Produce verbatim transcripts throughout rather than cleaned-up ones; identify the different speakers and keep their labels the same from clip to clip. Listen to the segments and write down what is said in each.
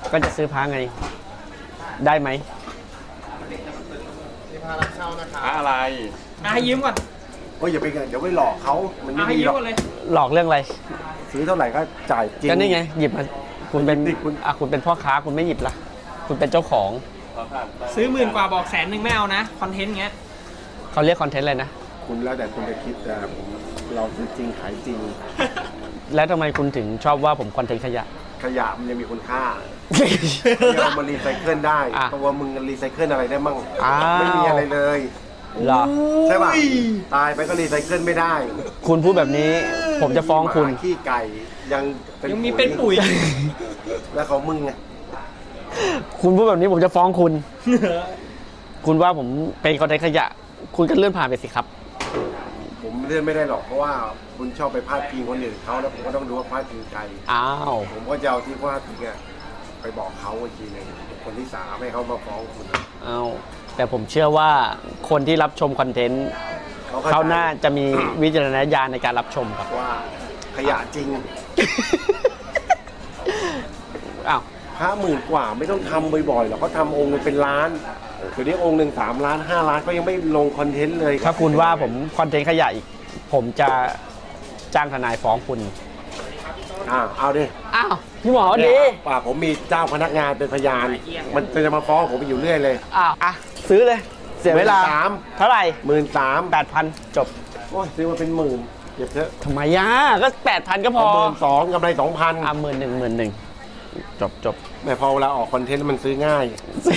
Speaker 1: ก็จะซื้อพระไงได้ไหม
Speaker 2: พารับเช่านะครับ
Speaker 3: อะไร
Speaker 4: ให้ยืมก่อน
Speaker 2: โอ้ยอย่าไปอย่าไปหลอกเขามันไม่
Speaker 4: ให้
Speaker 2: ดี
Speaker 4: ยื
Speaker 2: หร
Speaker 4: ม
Speaker 2: อก
Speaker 4: ก่อนเลย
Speaker 1: หลอกเรื่องอะไร
Speaker 2: ซื้อเท่าไหร่ก็จ่ายจริง
Speaker 1: ก็นี่ไงหยิบมาคุณเป็น
Speaker 2: คุณ
Speaker 1: อ่ะคุณเป็นพ่อค้าคุณไม่หยิบละคุณเป็นเจ้าของ
Speaker 4: ซื้อหมื่นกว่าบอกแสนหนึ่งไม่เอานะคอนเทนต์เงี้ย
Speaker 1: เขาเรียกคอนเทนต์อะไรนะ
Speaker 2: คุณแล้วแต่คุณจะคิดแต่ผมเราซื้อจริงขายจริง
Speaker 1: แล้วทำไมคุณถึงชอบว่าผมคอนเทนต์ขยะ
Speaker 2: ขยะมันยังมีคุณค่าเรามารีไซเคิลได้ตัวมึงรีไซเคิลอะไรได้มั่งไม่มีอะไรเลย
Speaker 1: หรอ
Speaker 2: ใช่ป่ะตายไปก็รีไซเคิลไม่ได้
Speaker 1: คุณพูดแบบนี้ผมจะฟ้องคุณ
Speaker 2: ขี้ไก่ยัง
Speaker 4: ยังมีเป็นปุ๋ย
Speaker 2: แล้วเขามึงไง
Speaker 1: คุณพูดแบบนี้ผมจะฟ้องคุณคุณว่าผมเป็นคอนเทนต์ขยะคุณก็เลื่อนผ่านไปสิครับ
Speaker 2: ผมเลื่อนไม่ได้หรอกเพราะว่าคุณชอบไปพาดพิงคนอื่นเขาแล้วผมก็ต้องดูว่าพาดพิงใคร
Speaker 1: อ้าว
Speaker 2: ผมก็จะเอาที่พาดพิงอะไปบอกเขาอีกทีนึงคนที่สามให้เขามาฟ้องคุณ
Speaker 1: อ้าวแต่ผมเชื่อว่าคนที่รับชมคอนเทนต์เขาน่าจะมีวิจารณญาณในการรับชมครับ
Speaker 2: ว่าขยะจริง
Speaker 1: อ้าว
Speaker 2: ห้าหมื่นกว่าไม่ต้องทำบ่อยๆหรอกเขาทำองค์เป็นล้านเดี๋ยวนี้องค์หนึ่งสามล้านห้าล้านก็ยังไม่ลงคอนเทนต์เลย
Speaker 1: ถ้าคุณว่าผมคอนเทนต์ขยะอีกผมจะจ้างทนายฟ้องคุณ
Speaker 2: อ้าวเอาดิ
Speaker 1: อ้าวพี่หมอดี
Speaker 2: ป่าผมมีเจ้าพนักงานเป็นพยานมันจะมาฟ้องผมไปอยู่เรื่อยเลย
Speaker 1: อ้าวอ่ะซื้อเลยเสียเวลาเท่าไหร่
Speaker 2: หมื่นสาม
Speaker 1: แปดพันจบ
Speaker 2: โอ้ยซื้อมาเป็นหมื่นเก็บเถอะ
Speaker 1: ทำไมย่าก็แปดพันก็พอ
Speaker 2: หมื่นสองกำไรสองพัน
Speaker 1: อ่ะหมื่นหนึ่งหมื่นหนึ่งจบจบ
Speaker 2: แต่พอเวลาออกคอนเทนต์มันซื้อง่าย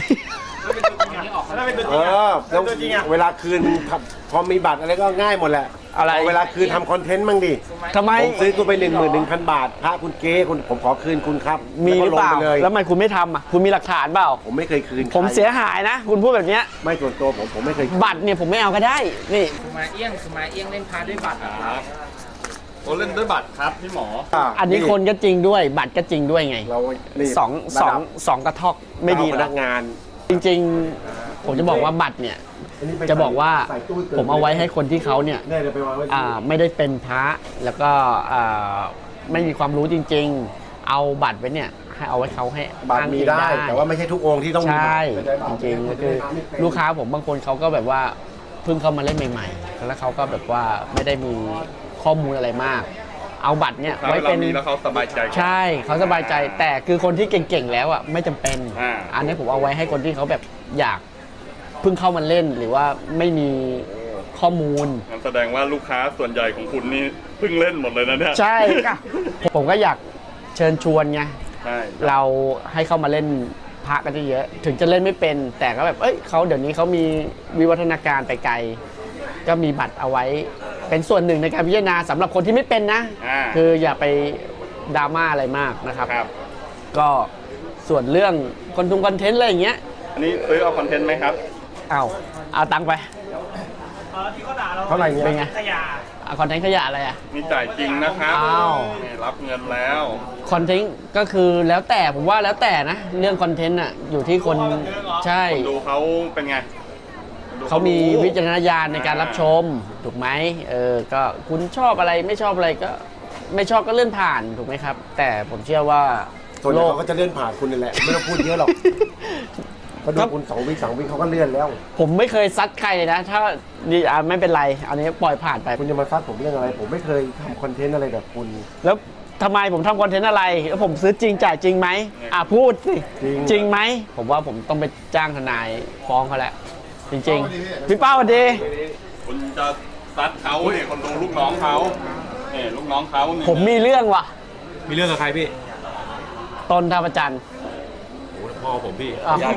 Speaker 2: เออแล้วเวลาคืนพอมีบัตรอะไรก็ง่ายหมดแหละ
Speaker 1: อะไร
Speaker 2: เวลาคืนทำคอนเทนต์มั่งดิ
Speaker 1: ทำไม
Speaker 2: ผมซื้อคุณไปหนึ่งหมื่นหนึ่งพันบาทพระคุณเก้คุณผมขอคืนคุณครับ
Speaker 1: มีหรือเปล่าแล้วทำไมคุณไม่ทำอ่ะคุณมีหลักฐานเปล่า
Speaker 2: ผมไม่เคยคืน
Speaker 1: ผมเสียหายนะคุณพูดแบบนี้
Speaker 2: ไม่ส่วนตัวผมผมไม่เคย
Speaker 1: บัตรเนี่ยผมไม่เอาก็ได้นี่
Speaker 4: สุมาเอี้ยงสุมาเอี้ยงเล่นพาด้วยบัตรครับ
Speaker 3: โอ้เล่นด้วยบัตรครับพี่หมอ
Speaker 1: อันนี้คนก็จริงด้วยบัตรก็จริงด้วยไง
Speaker 2: เรา
Speaker 1: สองสองสองกระทอกไม่ดี
Speaker 2: พนักงาน
Speaker 1: จริงๆผมจะบอกว่าบัตรเนี่ยจะบอกว่าผมเอาไว้ให้คนที่เขาเนี่ยไม่ได้เป็นพระแล้วก็ไม่มีความรู้จริงๆเอาบัตรไว้เนี่ยให้เอาไว้เขาให้
Speaker 2: บัตรมีได้แต่ว่าไม่ใช่ทุกองค์ที่ต้อง
Speaker 1: ใช่จริงๆก็คือลูกค้าผมบางคนเขาก็แบบว่าเพิ่งเข้ามาเล่นใหม่ๆแล้วเขาก็แบบว่าไม่ได้มีข้อมูลอะไรมากเอาบัตรเนี่ยไว้เป็น
Speaker 3: แล้วเขาสบายใจ
Speaker 1: ใช่เขาสบายใจแต่คือคนที่เก่งๆแล้วอ่ะไม่จำเป็นอันนี้ผมเอาไว้ให้คนที่เขาแบบอยากเพิ่งเข้ามาเล่นหรือว่าไม่มีข้อมูล
Speaker 3: นั่นแสดงว่าลูกค้าส่วนใหญ่ของคุณนี่เพิ่งเล่นหมดเลยนะเนี่ย
Speaker 1: ใช่ค่ะผมก็อยากเชิญชวนไงเราให้เข้ามาเล่นพระกันเยอะถึงจะเล่นไม่เป็นแต่ก็แบบเอ้ยเขาเดี๋ยวนี้เขามีวิวัฒนาการไปไกลก็มีบัตรเอาไว้เป็นส่วนหนึ่งในการพิจารณาสำหรับคนที่ไม่เป็นนะคืออย่าไปดราม่าอะไรมากนะครับก็ส่วนเรื่องคอนทุงคอนเทนต์อะไรอย่างเงี้ย
Speaker 3: อันนี้ซื้อเอาคอนเทนต์ไหมครับ
Speaker 1: เอาเอาตังค์ไป
Speaker 2: เท่าไหร่เงี้ย
Speaker 1: เป็นไงคอนเทนต์ขยะอะไรอ่ะ
Speaker 3: มีจ่ายจริงนะครับ
Speaker 1: อ้าว
Speaker 3: รับเงินแล้ว
Speaker 1: คอนเทนต์ก็คือแล้วแต่ผมว่าแล้วแต่นะเรื่องคอนเทนต์อ่ะอยู่ที่คนใช่
Speaker 3: คนดูเขาเป็นไง
Speaker 1: เขามีวิจารณญาณในการรับชมถูกไหมเออก็คุณชอบอะไรไม่ชอบอะไรก็ไม่ชอบก็เลื่อนผ่านถูกไหมครับแต่ผมเชื่อว่า
Speaker 2: ส่วนใหญ่เขาก็จะเลื่อนผ่านคุณนี่แหละไม่ต้องพูดเยอะหรอกเขาดูคุณสองวิสองวิเขาก็เลื่อนแล้ว
Speaker 1: ผมไม่เคยซัดใครเลยนะถ้าดีอ่ะไม่เป็นไรอันนี้ปล่อยผ่านไป
Speaker 2: คุณจะมาซัดผมเรื่องอะไรผมไม่เคยทำคอนเทนต์อะไรแบบคุณ
Speaker 1: แล้วทำไมผมทำคอนเทนต์อะไรแล้วผมซื้อจริงจ่ายจริงไหมอ่ะพูดสิจริงไหมผมว่าผมต้องไปจ้างทนายฟ้องเขาแล้วจริงๆพี่เป้าดี
Speaker 3: คุณจะซัดเขาเนี่ยคนดูลูกน้องเขาเนี่ยลูกน้องเขา
Speaker 1: ผมมีเรื่องว่ะ
Speaker 4: มีเรื่องกับใครพี่
Speaker 1: ต้นท่าประจัน
Speaker 4: โอ้พ่อผมพี่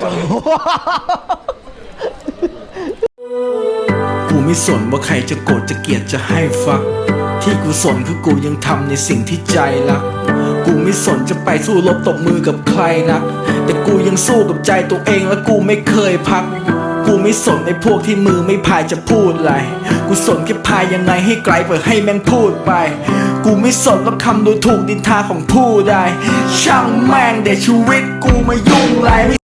Speaker 5: กูไม่สนว่าใครจะโกรธจะเกลียดจะให้ฟักที่กูสนคือกูยังทำในสิ่งที่ใจรักกูไม่สนจะไปสู้รบตบมือกับใครนักแต่กูยังสู้กับใจตัวเองและกูไม่เคยพักกูไม่สนไอ้พวกที่มือไม่พายจะพูดอะไรกูสนแค่พายยังไงให้ไกลเพื่อให้แม่งพูดไปกูไม่สนแล้วคำดูถูกดินทาของผู้ใดช่างแม่งเดี๋ยวชีวิตกูมายุ่งไร